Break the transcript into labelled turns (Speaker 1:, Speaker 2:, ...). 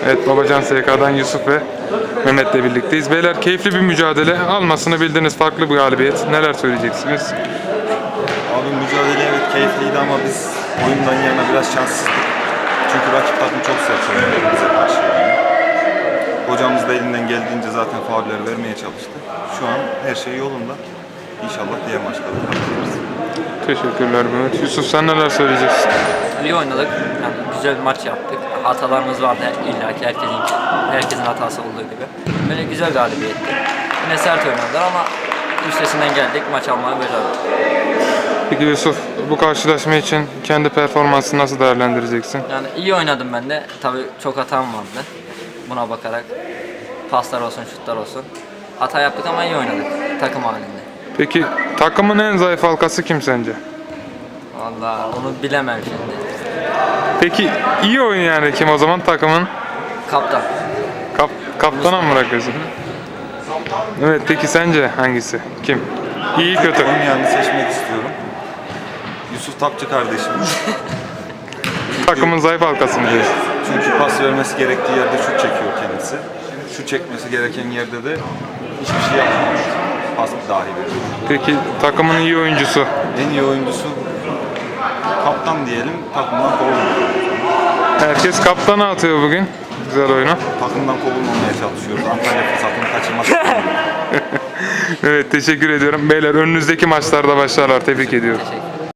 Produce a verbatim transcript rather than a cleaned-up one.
Speaker 1: Evet, Babacan S K'dan Yusuf ve Mehmet'le birlikteyiz. Beyler, keyifli bir mücadele. Almasını bildiğiniz farklı bir galibiyet. Neler söyleyeceksiniz?
Speaker 2: Abi mücadele evet keyifliydi ama biz oyundan yana biraz şanssızdık. Çünkü rakip takım çok sert oynadı bize karşı yani. Hocamız da elinden geldiğince zaten fauller vermeye çalıştı. Şu an her şey yolunda. İnşallah diğer maçlarda kazanırız.
Speaker 1: Teşekkürler Mehmet. Yusuf, sen neler söyleyeceksin?
Speaker 3: İyi oynadık. Yani güzel bir maç yaptık. Hatalarımız vardı illa ki herkesin herkesin hatası olduğu gibi. Böyle güzel galibiyetti. Yine sert oynadılar ama üstesinden geldik. Maç almayı başardık.
Speaker 1: Peki Yusuf, bu karşılaşma için kendi performansını nasıl değerlendireceksin?
Speaker 3: Yani iyi oynadım ben de. Tabii çok hatam vardı. Buna bakarak paslar olsun, şutlar olsun. Hata yaptık ama iyi oynadık takım halinde.
Speaker 1: Peki takımın en zayıf halkası kim sence?
Speaker 3: Vallahi onu bilemem şimdi.
Speaker 1: Peki iyi oynayan kim o zaman takımın?
Speaker 3: Kaptan.
Speaker 1: Kap, kaptana mı bırakıyorsun? Evet, peki sence hangisi? Kim? İyi kötü.
Speaker 2: Oynayanı seçmek istiyorum. Yusuf Tapçı kardeşim.
Speaker 1: Takımın zayıf halkası mı diyorsun?
Speaker 2: Çünkü pas vermesi gerektiği yerde şut çekiyor kendisi. Şut çekmesi gereken yerde de hiçbir şey yapmıyor. Pas dahi veriyor.
Speaker 1: Peki takımın iyi oyuncusu?
Speaker 2: En iyi oyuncusu kaptan diyelim, takımdan kovulmuyor.
Speaker 1: Herkes kaptana atıyor bugün. Güzel oyunu.
Speaker 2: Takımdan kovulmamaya çalışıyoruz. Antalya fırsatını kaçırmak istemiyoruz.
Speaker 1: Evet, teşekkür ediyorum. Beyler, önünüzdeki maçlarda başarılar. Tebrik ediyorum.
Speaker 3: Teşekkür